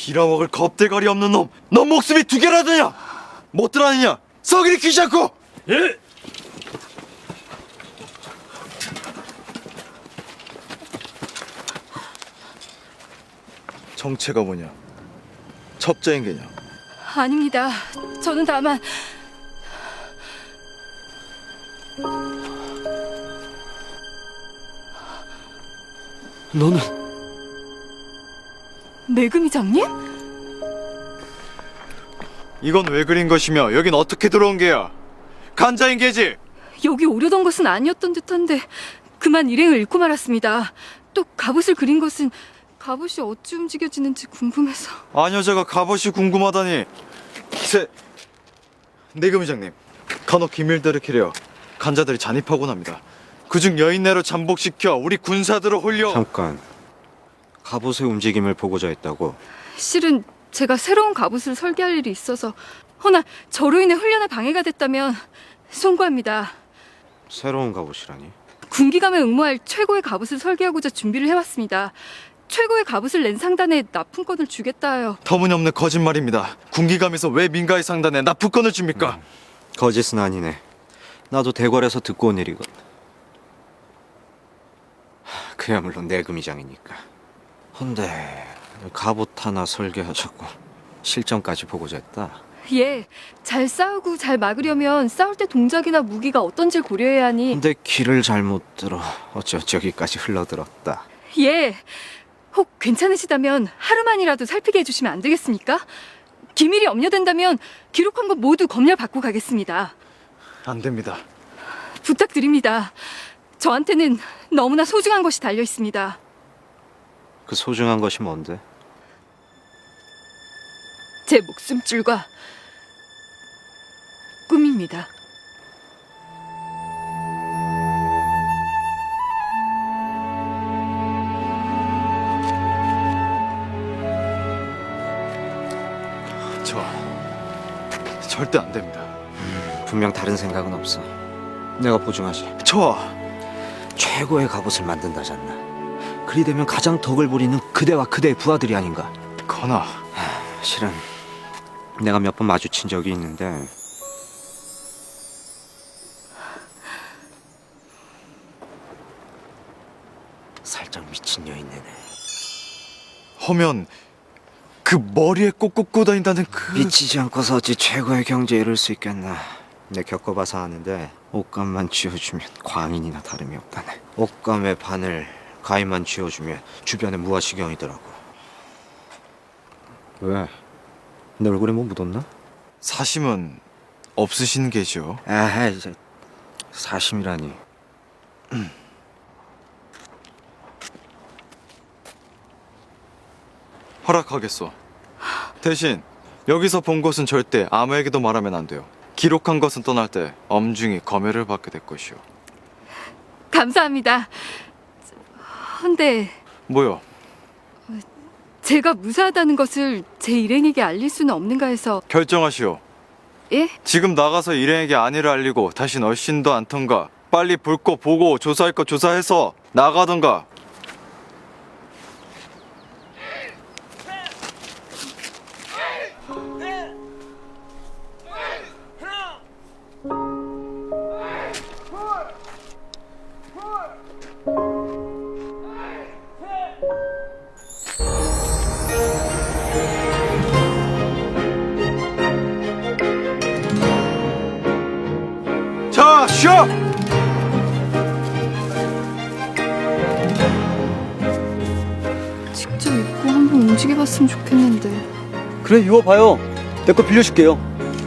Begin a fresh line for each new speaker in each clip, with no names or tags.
빌어먹을 겁대가리 없는 놈! 넌 목숨이 두 개라더냐! 못 들어하느냐! 서기리 귀찮고!
예!
정체가 뭐냐? 첩자인 게냐?
아닙니다. 저는 다만
너는
매금이장님?
이건 왜 그린 것이며 여긴 어떻게 들어온 게야? 간자인 게지?
여기 오려던 것은 아니었던 듯한데 그만 일행을 잃고 말았습니다. 또 갑옷을 그린 것은 갑옷이 어찌 움직여지는지 궁금해서.
아녀자가 갑옷이 궁금하다니. 내금의장님, 간혹 기밀들을 캐려 간자들이 잔입하곤 합니다. 그중 여인네로 잠복시켜 우리 군사들을 홀려.
잠깐. 갑옷의 움직임을 보고자 했다고?
실은 제가 새로운 갑옷을 설계할 일이 있어서 허나 저로 인해 훈련에 방해가 됐다면 송구합니다.
새로운 갑옷이라니?
군기감에 응모할 최고의 갑옷을 설계하고자 준비를 해왔습니다. 최고의 갑옷을 낸 상단에 납품권을 주겠다 하여.
터무니없는 거짓말입니다. 군기감에서 왜 민가의 상단에 납품권을 줍니까?
거짓은 아니네. 나도 대궐에서 듣고 온 일이거든. 그야말로 내금이장이니까. 헌데 갑옷 하나 설계하자고 실전까지 보고자 했다.
예, 잘 싸우고 잘 막으려면 싸울 때 동작이나 무기가 어떤지 고려해야 하니.
근데 길을 잘못 들어 어찌 여기까지 흘러들었다.
예, 혹 괜찮으시다면 하루만이라도 살피게 해주시면 안 되겠습니까? 기밀이 염려된다면 기록한 것 모두 검열 받고 가겠습니다.
안 됩니다.
부탁드립니다. 저한테는 너무나 소중한 것이 달려 있습니다.
그 소중한 것이 뭔데?
제 목숨줄과 꿈입니다.
절대 안 됩니다.
분명 다른 생각은 없어. 내가 보증하지.
저하,
최고의 갑옷을 만든다잖아. 그리 되면 가장 덕을 부리는 그대와 그대의 부하들이 아닌가.
건아,
실은 내가 몇 번 마주친 적이 있는데 살짝 미친 여인네네.
허면 그 머리에 꼭 꽂고 다닌다는 그...
미치지 않고서 어찌 최고의 경지에 이를 수 있겠나. 내 겪어봐서 아는데 옷감만 쥐어주면 광인이나 다름이 없다네. 옷감의 바늘 가위만 쥐어주면 주변에 무아시경이더라고. 왜? 내 얼굴에 뭐 묻었나?
사심은 없으신 게죠?
아, 이제 사심이라니.
허락하겠소. 대신 여기서 본 것은 절대 아무에게도 말하면 안 돼요. 기록한 것은 떠날 때 엄중히 검열을 받게 될 것이오.
감사합니다. 헌데
뭐요?
제가 무사하다는 것을 제 일행에게 알릴 수는 없는가 해서.
결정하시오.
예?
지금 나가서 일행에게 안위를 알리고 다신 얼씬도 않던가, 빨리 볼 거 보고 조사할 거 조사해서 나가던가. 자, 쉬어!
직접 입고 한번 움직여봤으면 좋겠는데.
그래 입어봐요. 내 거 빌려줄게요.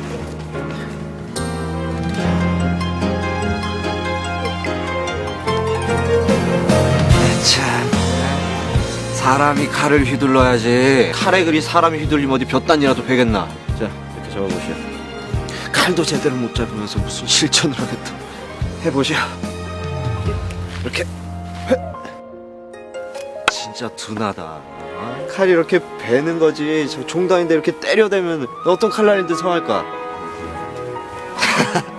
참, 사람이 칼을 휘둘러야지. 칼에 그리 사람이 휘둘리면 어디 볕단이라도 베겠나. 자, 이렇게 잡아보시오. 칼도 제대로 못 잡으면서 무슨 실천을 하겠다. 해보시오. 이렇게. 진짜 둔하다. 어? 칼이 이렇게 베는 거지. 저 종단인데 이렇게 때려대면 어떤 칼날인데 성할까?